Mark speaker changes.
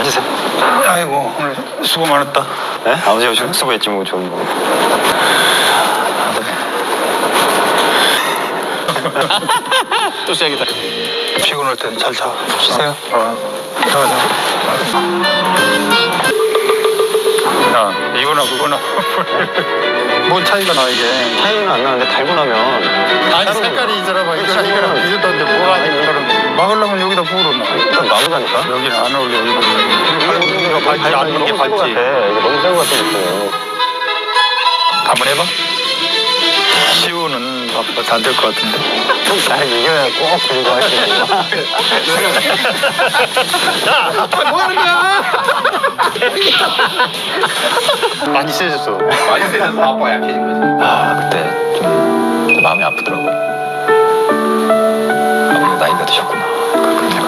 Speaker 1: 앉으세요.
Speaker 2: 아이고 오늘 수고 많았다.
Speaker 1: 네? 아버지가 수고했지 뭐 저는 뭐. 또 시작이다.
Speaker 2: 피곤할 땐 잘 자.
Speaker 1: 쉬세요.
Speaker 2: 자. 야 이거나 그거나 뭔 차이가 나 이게.
Speaker 1: 차이는 안 나는데 달고 나면
Speaker 2: 아니 색깔이 있잖아 봐. 이거랑 이거랑 비슷한데 뭐가 다른 막으려면 여기다 부으러 놔.
Speaker 1: 일단 나보자니까.
Speaker 2: 여기는 안 어울려. 이거
Speaker 1: 발찌 안 이게 발찌. 이거 너무 새우 같은 느낌이에요.
Speaker 2: 한번 해봐. 시우는 아빠도 안 될 것 같은데.
Speaker 1: 날 이겨야 꼭 들고 할 수 있는 거.
Speaker 2: 야! 뭐 하는 거야?
Speaker 1: 많이 세졌어.
Speaker 3: 많이 세져서 아빠가 약해진 거지.
Speaker 1: 아 그때 좀 마음이 아프더라고. 아버지 나이가 드셨구나. 그렇게